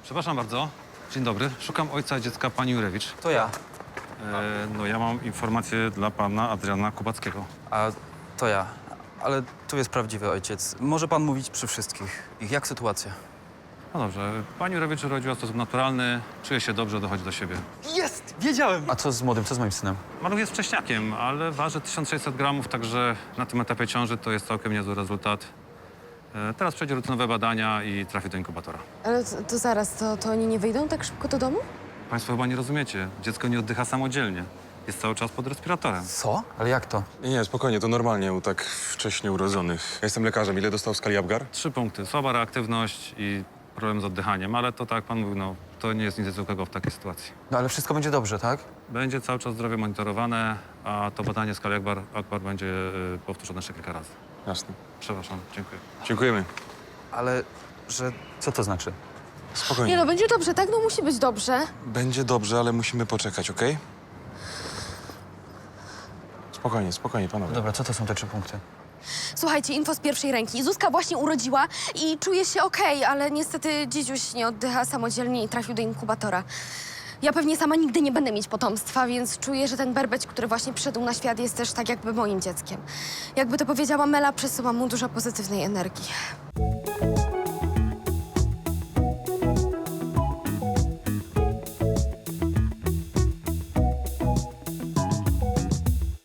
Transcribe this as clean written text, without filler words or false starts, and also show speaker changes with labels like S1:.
S1: Przepraszam bardzo. Dzień dobry. Szukam ojca dziecka pani Jurewicz.
S2: To ja.
S1: No ja mam informację dla pana Adriana Kubackiego.
S2: A to ja. Ale tu jest prawdziwy ojciec. Może pan mówić przy wszystkich. Jak sytuacja?
S1: No dobrze. Pani Jurewicz urodziła w sposób naturalny, czuje się dobrze, dochodzi do siebie.
S2: Jest! Wiedziałem! A co z młodym? Co z moim synem?
S1: Maluch jest wcześniakiem, ale waży 1600 gramów, także na tym etapie ciąży to jest całkiem niezły rezultat. Teraz przejdzie rutynowe badania i trafi do inkubatora.
S3: Ale to zaraz, to oni nie wyjdą tak szybko do domu?
S1: Państwo chyba nie rozumiecie. Dziecko nie oddycha samodzielnie. Jest cały czas pod respiratorem.
S2: Co? Ale jak to?
S4: Nie, spokojnie, to normalnie u tak wcześnie urodzonych. Ja jestem lekarzem. Ile dostał w skali Apgar?
S1: 3 punkty. Słaba reaktywność i problem z oddychaniem, ale to tak jak pan mówił, no, to nie jest nic zwykłego w takiej sytuacji.
S2: No ale wszystko będzie dobrze, tak?
S1: Będzie cały czas zdrowie monitorowane, a to badanie skali Akbar będzie powtórzone jeszcze kilka razy.
S4: Jasne.
S1: Przepraszam, dziękuję.
S4: Dziękujemy.
S2: Ale że... Co to znaczy?
S4: Spokojnie.
S3: Nie no, będzie dobrze, tak? No musi być dobrze.
S4: Będzie dobrze, ale musimy poczekać, okej? Spokojnie, spokojnie, panowie.
S2: Dobra, co to są te 3 punkty?
S3: Słuchajcie, info z pierwszej ręki. Zuzka właśnie urodziła i czuje się okej, ale niestety dzidziuś nie oddycha samodzielnie i trafił do inkubatora. Ja pewnie sama nigdy nie będę mieć potomstwa, więc czuję, że ten berbeć, który właśnie przyszedł na świat, jest też tak jakby moim dzieckiem. Jakby to powiedziała Mela, przesyłam mu dużo pozytywnej energii.